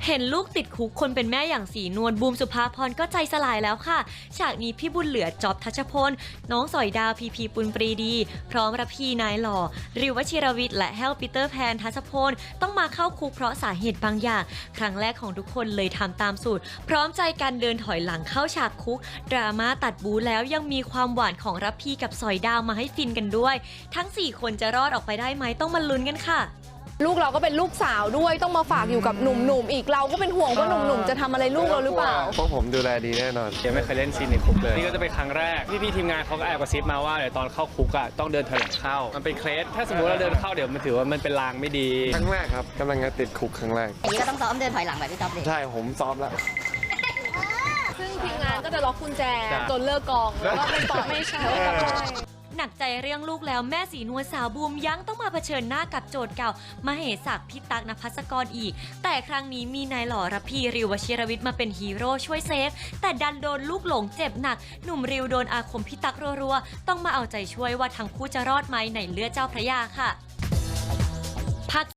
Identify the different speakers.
Speaker 1: เห็นลูกติดคุกคนเป็นแม่อย่างสีนวลบูมสุภาพรก็ใจสลายแล้วค่ะฉากนี้พี่บุญเหลือจ๊อบทัชพลน้องสอยดาวพีปุณปรีดีพร้อมรับพี่นายหล่อริววชิรวิทย์และแฮลปีเตอร์แพนทัชพลต้องมาเข้าคุกเพราะสาเหตุบางอย่างครั้งแรกของทุกคนเลยทำตามสูตรพร้อมใจกันเดินถอยหลังเข้าฉากคุกดราม่าตัดบูแล้วยังมีความหวานของรับพี่กับสอยดาวมาให้ฟินกันด้วยทั้ง4คนจะรอดออกไปได้ไหมต้องมาลุ้นกันค่ะ
Speaker 2: ลูกเราก็เป็นลูกสาวด้วยต้องมาฝากอยู่กับหนุ่มๆอีกเราก็เป็นห่วงว่าหนุ่มๆจะทำอะไรลูกเราหรือเปล่า
Speaker 3: พวกผมดูแลดีแน่นอน
Speaker 4: ยังไม่เคยเล่นซีนในคุกเลยนี่ก็จะเป็นครั้งแรกพี่ทีมงานเขาก็แอบกระซิบมาว่าเดี๋ยวตอนเข้าคุกอ่ะต้องเดินถอยหลังเข้ามันเป็นเคล็ดถ้าสมมติเราเดินเข้าเดี๋ยวมันถือว่ามันเป็นลางไม่ดี
Speaker 3: ครั้งแรกครับกำลังจะติดคุกครั้งแรก
Speaker 5: อย่างนี้ก็ต้องซ้อมเดินถอยหลังแบบพี่จ๊อบเลย
Speaker 3: ใช่ผมซ้อมแล้ว
Speaker 2: ซึ่งทีมงานก็จะล็อกกุญแจจนเลิกกองแล้วก็ไม่ต่อไม่ใช่
Speaker 1: หนักใจเรื่องลูกแล้วแม่สีนวลสาวบูมยังต้องมาเผชิญหน้ากับโจทย์เก่ามาเหศักดิ์พิตักนภัสกรอีกแต่ครั้งนี้มีนายหล่อรับพีริววชิรวิทย์มาเป็นฮีโร่ช่วยเซฟแต่ดันโดนลูกหลงเจ็บหนักหนุ่มริวโดนอาคมพิตักรัวๆต้องมาเอาใจช่วยว่าทั้งคู่จะรอดไหมในเลือดเจ้าพระยาค่ะ